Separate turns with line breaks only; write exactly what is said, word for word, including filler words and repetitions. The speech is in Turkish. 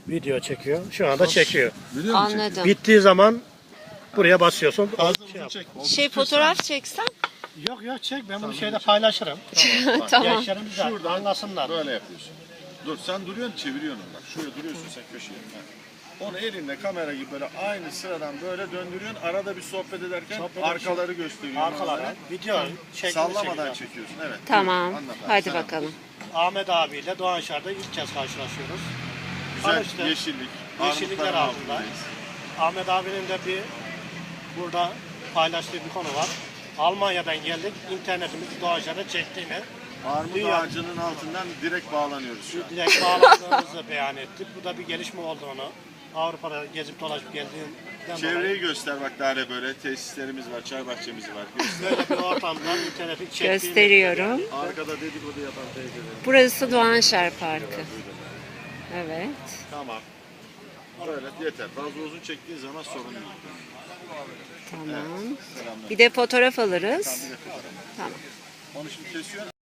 Video çekiyor. Şu anda çekiyor.
Biliyor musun?
Anladım.
Bittiği zaman buraya basıyorsun.
Fazla
Şey yap.
uzun çek.
Şey fotoğraf çeksen.
Yok yok çek, ben bunu şeyde paylaşırım.
Tamam.
Gençlerimiz de anlasınlar.
Böyle yapıyorsun. Dur sen duruyorsun, çeviriyorsun onu bak. Şuraya duruyorsun sen köşeye. Ha. Onu elinle kamera gibi böyle aynı sıradan böyle döndürüyorsun. Arada bir sohbet ederken
Sohbet
arkaları gösteriyorsun.
Arkalara
onlara.
video şeklinde
Sallamadan
çekiyor.
çekiyorsun. Evet.
Tamam.
Anlat abi,
Hadi
sen
bakalım.
Ahmet abiyle Doğan Şar'da ilk kez karşılaşıyoruz.
Güzel
Tanıştık.
yeşillik.
Yeşillikler
armutların
altında.
altındayız.
Ahmet abinin de bir burada paylaştığı bir konu var. Almanya'dan geldik, internetimizi Doğan Şar'da çektiğini,
Armut
Dünya-
ağacının altından direkt bağlanıyoruz şu an.
direkt bağlandığımızı beyan ettik. Bu da bir gelişme olduğunu, Avrupa'da gezip dolaşıp geldiğinden
Çevreyi
dolayı
göster bak daha da böyle tesislerimiz var, çay bahçemiz var. Göster.
böyle bir ortamda interneti çektiğini
Gösteriyorum.
Arkada dedikodu yapan teyzeler.
Burası Doğanşar Parkı. Evet.
Tamam. Böyle yeter. Fazla uzun çektiğin zaman sorun yok.
Tamam.
Selamlar.
Bir de fotoğraf alırız.
Bir de fotoğraf.
Tamam.
Onu şimdi kesiyorsun.